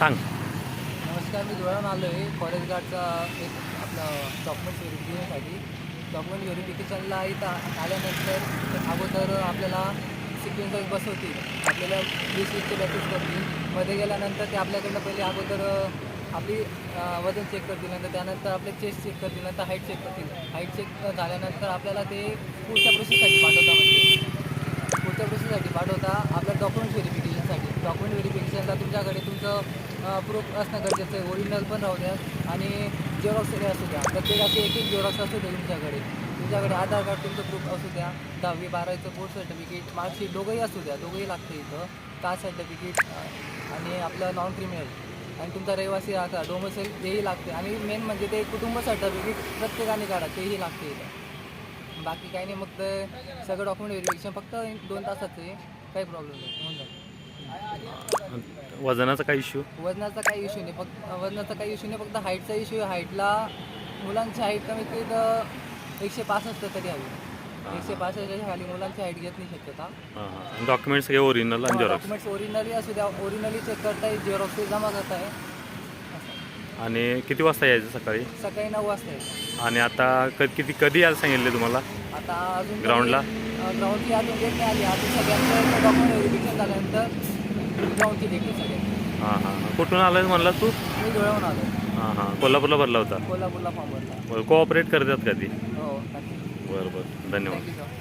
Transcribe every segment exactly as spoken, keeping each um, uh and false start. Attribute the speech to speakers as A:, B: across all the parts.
A: सांग.
B: नमस्कार, मी धुळ्याहून आलो आहे फॉरेस्ट गार्डचा एक आपलं डॉक्युमेंट व्हेरिफिकेशनसाठी. डॉक्युमेंट व्हेरिफिकेशनला इथं आल्यानंतर अगोदर आपल्याला सिक्वेन्स वाईज बसवतील, आपल्याला वीस वीसचे बॅचेस करतील. मध्ये गेल्यानंतर ते आपल्याकडनं पहिले अगोदर आपली वजन चेक करतील, नंतर त्यानंतर आपले चेस्ट चेक करतील, नंतर हाईट चेक करतील. हाईट चेक झाल्यानंतर आपल्याला ते पुढच्या प्रोसेससाठी पाठवता म्हणजे पुढच्या प्रोसेससाठी पाठवता आपल्या डॉक्युमेंट व्हेरिफिकेशनसाठी. डॉक्युमेंट व्हेरिफिकेशनला तुमच्याकडे तुमचं प्रूफ असणं गरजेचं आहे. ओरिजिनल पण राहू द्या आणि जेरॉक्स असू द्या. प्रत्येकाचे एक एक जेरॉक्स असू द्या तुमच्याकडे. तुमच्याकडे आधार कार्ड तुमचं प्रूफ असू द्या, दहावी बारावीचं बोर्ड सर्टिफिकेट, मार्कशीट दोघंही असू द्या. दोघंही लागतं इथं. कास्ट सर्टिफिकेट आणि आपलं नॉन क्रिमिनल आणि तुमचा रहिवासी आता डोमिसाईल तेही लागते. आणि मेन म्हणजे ते कुटुंब सर्टिफिकेट प्रत्येकाने काढा, तेही लागते इथं. बाकी काही नाही, मग ते सगळं डॉक्युमेंट व्हेरिफिकेशन फक्त दोन तासाचं आहे. काही प्रॉब्लेम नाही, होऊन जाईल.
A: वजनाचा काही इश्यू?
B: वजनाचा काही इश्यू नाही, फक्त वजनाचा काही इश्यू नाही, फक्त हाईटचा इश्यू आहे. हाईटला मुलांची हाईट कमीत कमी तर एकशे पासष्ट तरी हवी. एकशे पासष्टच्या खाली मुलांची हाईट घेत नाही शक्यता.
A: हां हां. डॉक्युमेंट्स सगळे ओरिजिनल आणि झेरॉक्स?
B: डॉक्युमेंट्स ओरिजिनली असू द्या, ओरिजिनली चेक करताय, झेरॉक्स जमा करताय.
A: आणि किती वाजता यायचं सकाळी?
B: सकाळी नऊ वाजता आहे.
A: आणि आता क किती कधी यायला सांगितले तुम्हाला
B: आता अजून
A: ग्राउंडला?
B: ग्राउंडची अजून डेट नाही आली. अजून सगळ्यांचं डॉक्युमेंट व्हेरिफिकेशन झाल्यानंतर ग्राउंडची डेट आहे सगळ्यांची.
A: हां हां हां. कुठून आलं म्हणला तू?
B: मी धुळ्याहून आलो.
A: हां हां. कोल्हापूरला भरला होता?
B: कोल्हापूरला फॉर्म भरला.
A: बरं, कोऑपरेट करतात कधी?
B: हो, नक्की.
A: बरं बरं, धन्यवाद.
B: Thank you sir.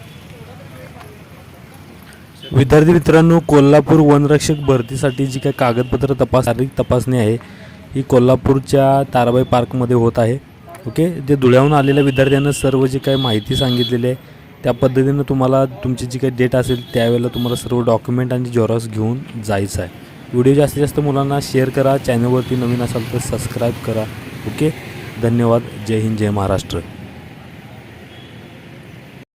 C: विद्यार्थी मित्रांनो, कोल्हापूर वनरक्षक भरतीसाठी जी काही कागदपत्र तपास शारीरिक तपासणी आहे ही कोल्हापूरच्या ताराबाई पार्कमध्ये होत आहे. ओके, जे धुळ्याहून आलेल्या विद्यार्थ्यांना सर्व जी काही माहिती सांगितलेली आहे त्या पद्धतीनं तुम्हाला तुमची जी काही डेट असेल त्यावेळेला तुम्हाला सर्व डॉक्युमेंट आणि झेरॉक्स घेऊन जायचं आहे. व्हिडिओ जास्तीत जास्त मुलांना शेअर करा. चॅनलवरती नवीन असाल तर सबस्क्राईब करा. ओके, धन्यवाद. जय हिंद, जय महाराष्ट्र.